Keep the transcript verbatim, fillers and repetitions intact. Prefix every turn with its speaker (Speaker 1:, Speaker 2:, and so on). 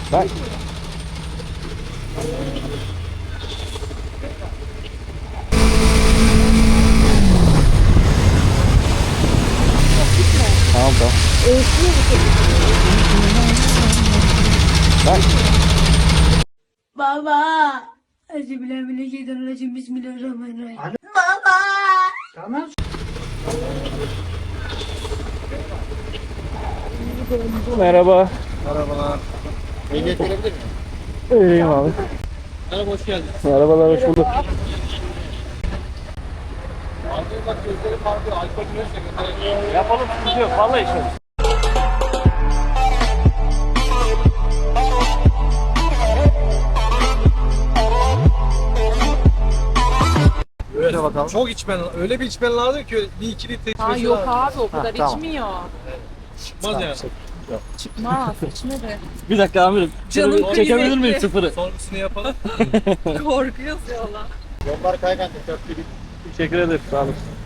Speaker 1: Bak. Tamam tamam. Bak.
Speaker 2: Baba. Euzubillahimineşşeytanirracim. Bismillahirrahmanirrahim. Baba.
Speaker 3: Tamam.
Speaker 1: Merhaba.
Speaker 4: Merhabalar. Ehliyet verebilir miyim?
Speaker 1: Vereyim abi.
Speaker 4: Merhaba, hoş geldiniz.
Speaker 1: Merhabalar, hoş bulduk.
Speaker 4: Abi bak gözlerim vardı, alkol biliyorsun.
Speaker 1: Yapalım, sıkıntı yok. Vallahi işim.
Speaker 4: Evet. Bakalım. Çok içmen, öyle bir içmen lazım ki bir iki litre
Speaker 5: Ha
Speaker 4: içmesi
Speaker 5: yok
Speaker 4: lazım.
Speaker 5: abi o kadar
Speaker 1: tamam.
Speaker 5: içmiyor.
Speaker 4: Çıkmaz yani.
Speaker 5: Çıkmaz içme de.
Speaker 1: Bir dakika amirim.
Speaker 5: Canım
Speaker 1: Çekebilir
Speaker 5: kıymetli.
Speaker 1: miyim sıfırı?
Speaker 4: Sonrasını yapalım.
Speaker 5: Korkuyoruz ya Allah.
Speaker 4: Yollar kaygan, tekrar bir
Speaker 1: Teşekkür ederim. Sağ olun.